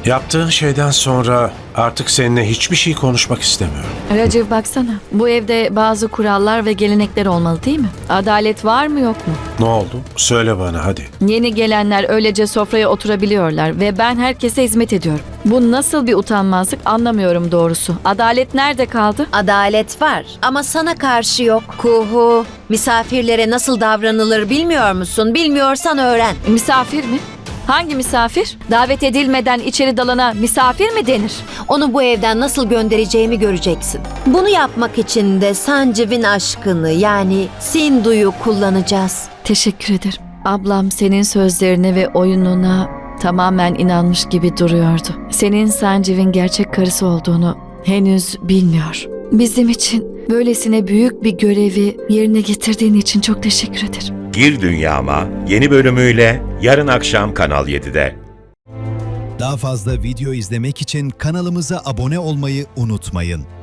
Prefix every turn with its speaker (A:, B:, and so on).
A: Yaptığın şeyden sonra artık seninle hiçbir şey konuşmak istemiyorum.
B: Raciv baksana. Bu evde bazı kurallar ve gelenekler olmalı değil mi? Adalet var mı yok mu?
A: Ne oldu? Söyle bana hadi.
B: Yeni gelenler öylece sofraya oturabiliyorlar ve ben herkese hizmet ediyorum. Bu nasıl bir utanmazlık anlamıyorum doğrusu. Adalet nerede kaldı?
C: Adalet var ama sana karşı yok. Kuhu, misafirlere nasıl davranılır bilmiyor musun? Bilmiyorsan öğren.
B: Misafir mi? Hangi misafir? Davet edilmeden içeri dalana misafir mi denir?
C: Onu bu evden nasıl göndereceğimi göreceksin. Bunu yapmak için de Sanciv'in aşkını yani Sindu'yu kullanacağız.
B: Teşekkür ederim. Ablam senin sözlerine ve oyununa tamamen inanmış gibi duruyordu. Senin Sanciv'in gerçek karısı olduğunu henüz bilmiyor. Bizim için böylesine büyük bir görevi yerine getirdiğin için çok teşekkür ederim.
D: Gir Dünyama yeni bölümüyle yarın akşam Kanal 7'de.
E: Daha fazla video izlemek için kanalımıza abone olmayı unutmayın.